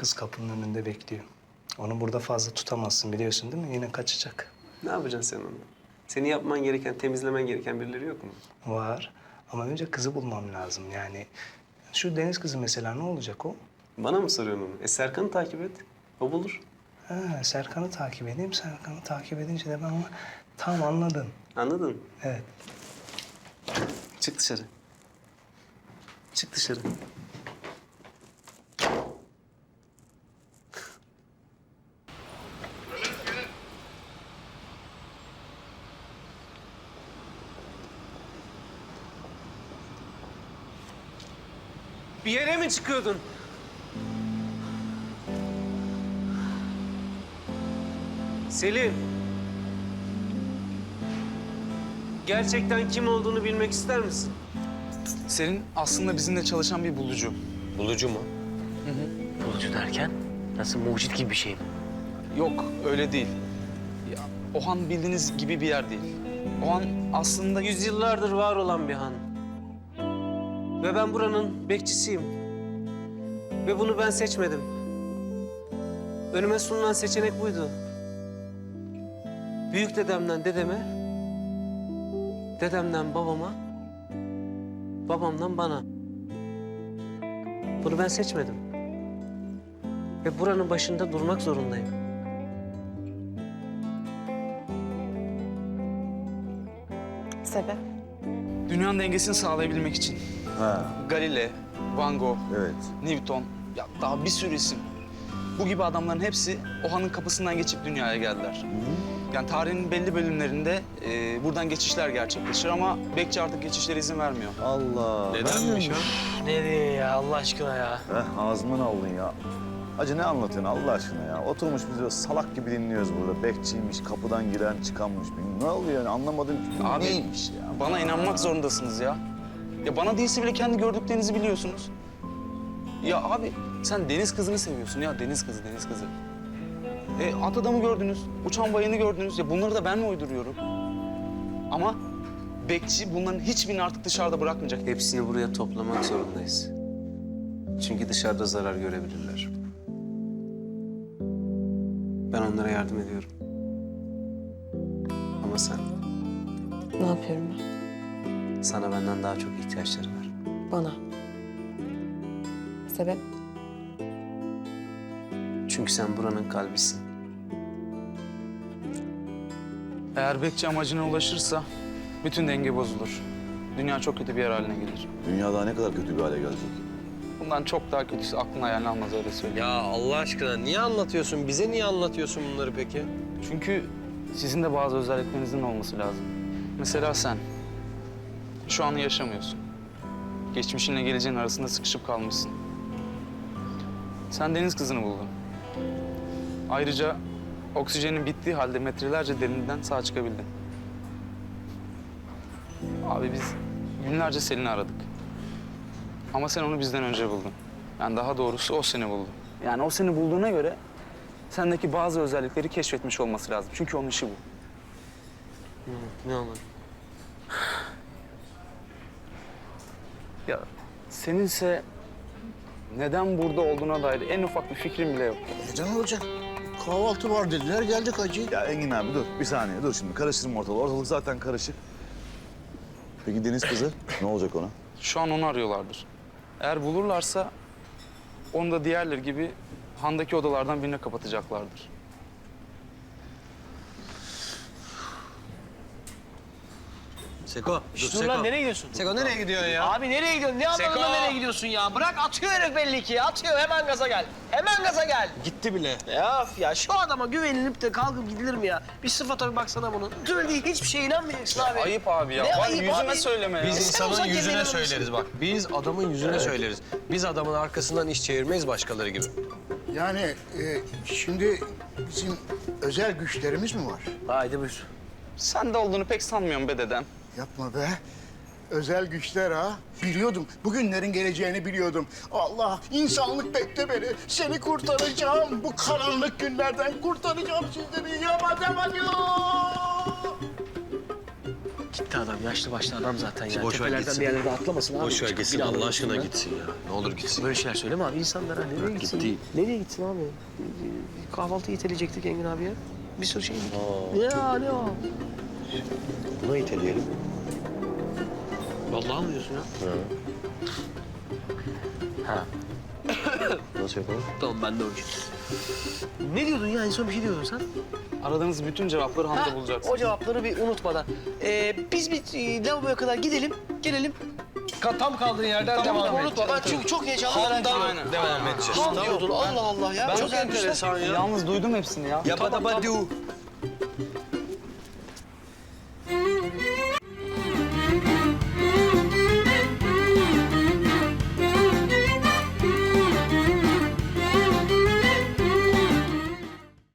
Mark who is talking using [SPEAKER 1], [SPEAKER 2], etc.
[SPEAKER 1] kız kapının önünde bekliyor. Onu burada fazla tutamazsın biliyorsun değil mi? Yine kaçacak.
[SPEAKER 2] Ne yapacaksın sen onu? Senin yapman gereken, temizlemen gereken birileri yok mu?
[SPEAKER 1] Var ama önce kızı bulmam lazım yani. Şu deniz kızı mesela ne olacak o?
[SPEAKER 2] Bana mı soruyorsun onu? Serkan'ı takip et. O bulur.
[SPEAKER 1] Ha, Serkan'ı takip edeyim. Serkan'ı takip edince de ben onu tam anladın.
[SPEAKER 2] Anladın?
[SPEAKER 1] Evet.
[SPEAKER 2] Çık dışarı. Çık dışarı. Bir yere mi çıkıyordun? Selim. Gerçekten kim olduğunu bilmek ister misin?
[SPEAKER 3] Selin aslında bizimle çalışan bir bulucu.
[SPEAKER 2] Bulucu mu?
[SPEAKER 4] Bulucu derken nasıl mucit gibi bir şey mi?
[SPEAKER 3] Yok öyle değil. Ya, Ohan bildiğiniz gibi bir yer değil. Ohan aslında
[SPEAKER 2] Yüzyıllardır var olan bir han. Ve ben buranın bekçisiyim. Ve bunu ben seçmedim. Önüme sunulan seçenek buydu. Büyük dedemden dedeme, dedemden babama, babamdan bana. Bunu ben seçmedim. Ve buranın başında durmak zorundayım.
[SPEAKER 5] Sebep?
[SPEAKER 3] dünyanın dengesini sağlayabilmek için.
[SPEAKER 6] Ha,
[SPEAKER 3] Galile, Van Gogh,
[SPEAKER 6] evet.
[SPEAKER 3] Newton, ya daha bir sürü isim. Bu gibi adamların hepsi Ohan'ın kapısından geçip dünyaya geldiler. Yani tarihin belli bölümlerinde buradan geçişler gerçekleşir ama bekçi artık geçişlere izin vermiyor.
[SPEAKER 6] Allah.
[SPEAKER 2] Nedenmiş o?
[SPEAKER 4] Ne diyor ya Allah aşkına ya?
[SPEAKER 6] Ağzımdan aldın ya. Acı ne anlatıyorsun Allah aşkına ya? Oturmuş biz böyle salak gibi dinliyoruz burada. Bekçiymiş, kapıdan giren çıkanmış. Ne oluyor yani anlamadım ki.
[SPEAKER 3] Abi,
[SPEAKER 6] neymiş ya?
[SPEAKER 3] Bana inanmak zorundasınız ya. Ya bana değilse bile kendi gördüklerinizi biliyorsunuz. Ya abi sen deniz kızını seviyorsun ya deniz kızı, deniz kızı. At adamı gördünüz, uçan bayını gördünüz. Ya bunları da ben mi uyduruyorum? Ama bekçi bunların hiçbirini artık dışarıda bırakmayacak.
[SPEAKER 2] Hepsini buraya toplamak zorundayız. Çünkü dışarıda zarar görebilirler. Ben onlara yardım ediyorum. Ama sen,
[SPEAKER 5] Ne yapıyorum ben?
[SPEAKER 2] sana benden daha çok ihtiyaçları var.
[SPEAKER 5] Bana. Sebep?
[SPEAKER 2] Çünkü sen buranın kalbisin.
[SPEAKER 3] Eğer bekçi amacına ulaşırsa bütün denge bozulur. Dünya çok kötü bir yer haline gelir.
[SPEAKER 6] Dünya daha ne kadar kötü bir hale gelecek?
[SPEAKER 3] Bundan çok daha kötüsü aklın hayalini almaz öyle söyleyeyim.
[SPEAKER 7] Ya Allah aşkına niye anlatıyorsun? Bize niye anlatıyorsun bunları peki?
[SPEAKER 3] Çünkü sizin de bazı özelliklerinizin olması lazım. Mesela sen şu anı yaşamıyorsun. Geçmişinle geleceğin arasında sıkışıp kalmışsın. Sen deniz kızını buldun. Ayrıca oksijenin bittiği halde metrelerce derinden sağ çıkabildin. Abi biz günlerce Selin'i aradık. Ama sen onu bizden önce buldun. Yani daha doğrusu o seni buldu. Yani o seni bulduğuna göre sendeki bazı özellikleri keşfetmiş olması lazım. Çünkü onun işi bu.
[SPEAKER 2] Ne anladın?
[SPEAKER 3] Ya seninse neden burada olduğuna dair en ufak bir fikrim bile yok.
[SPEAKER 8] Neden olacak? Kahvaltı var dediler, geldik hacı.
[SPEAKER 6] Ya Engin abi dur bir saniye dur şimdi karıştırma ortalığı. Ortalık zaten karışık. Peki deniz kızı ne olacak ona?
[SPEAKER 3] Şu an onu arıyorlardır. Eğer bulurlarsa onu da diğerleri gibi handaki odalardan birine kapatacaklardır.
[SPEAKER 7] Seko,
[SPEAKER 4] Dur lan nereye gidiyorsun?
[SPEAKER 7] Seko nereye gidiyorsun ya?
[SPEAKER 4] Abi nereye gidiyorsun? Ne anlamda
[SPEAKER 7] Seko!
[SPEAKER 4] nereye gidiyorsun ya? Bırak atıyor herif belli ki. Atıyor hemen gaza gel. Hemen gaza gel.
[SPEAKER 7] Gitti bile.
[SPEAKER 4] Ya şu adama güvenilip de kalkıp gidilir mi ya? Bir sıfata bir baksana bunun. Söylediği hiçbir şeye inanmayacaksın abi.
[SPEAKER 3] Ayıp abi ya.
[SPEAKER 4] Ne
[SPEAKER 3] Bari
[SPEAKER 4] ayıp
[SPEAKER 3] yüzüme
[SPEAKER 4] abi?
[SPEAKER 3] söyleme ya.
[SPEAKER 7] Biz
[SPEAKER 4] Sen
[SPEAKER 7] insanın
[SPEAKER 4] uzak
[SPEAKER 7] yüzüne
[SPEAKER 4] yerlere
[SPEAKER 7] söyleriz bak. Biz adamın yüzüne söyleriz. Biz adamın arkasından iş çevirmeyiz başkaları gibi.
[SPEAKER 8] Yani şimdi bizim özel güçlerimiz mi var?
[SPEAKER 4] Haydi buyur.
[SPEAKER 3] Sen de olduğunu pek sanmıyorum be dedem.
[SPEAKER 8] Yapma be. Özel güçler ha. Biliyordum. Bugünlerin geleceğini biliyordum. Allah, insanlık bekle beni. Seni kurtaracağım. Bu karanlık günlerden kurtaracağım sizleri. Yama dema diyor.
[SPEAKER 4] Gitti adam. Yaşlı başlı adam zaten ya.
[SPEAKER 7] Boş ver
[SPEAKER 4] Tepelerden
[SPEAKER 7] gitsin.
[SPEAKER 4] bir yerlere atlamasın abi.
[SPEAKER 7] Boş ver
[SPEAKER 4] Çıkıp
[SPEAKER 7] gitsin
[SPEAKER 4] bir daha
[SPEAKER 7] Allah aşkına
[SPEAKER 4] ya.
[SPEAKER 7] gitsin ya. Ne olur gitsin.
[SPEAKER 4] Böyle şeyler söyleme abi insanlara. Nereye gitsin?
[SPEAKER 7] Gitti.
[SPEAKER 4] Nereye gitsin abi? Kahvaltı iteleyecektik Engin abiye. Bir sürü şey. Ne o?
[SPEAKER 7] Buna iteleyelim.
[SPEAKER 4] Vallahi mı diyorsun ya? Ha.
[SPEAKER 7] Nasıl yapalım?
[SPEAKER 4] Tamam ben de o iş. Ne diyordun ya? En son bir şey diyordun sen.
[SPEAKER 3] Aradığınız bütün cevapları Hamza bulacak.
[SPEAKER 4] O cevapları bir unutmadan. Biz bir lavaboya kadar gidelim, gelelim.
[SPEAKER 7] Tam kaldığın yerden devam et.
[SPEAKER 4] Unutma. Ben çünkü çok heyecanlı.
[SPEAKER 7] Devam edeceğiz.
[SPEAKER 4] Ham diyordun. Allah Allah ya.
[SPEAKER 7] Ben
[SPEAKER 4] çok enteresan ya.
[SPEAKER 3] Yalnız duydum hepsini ya.
[SPEAKER 7] Yabba dabba du.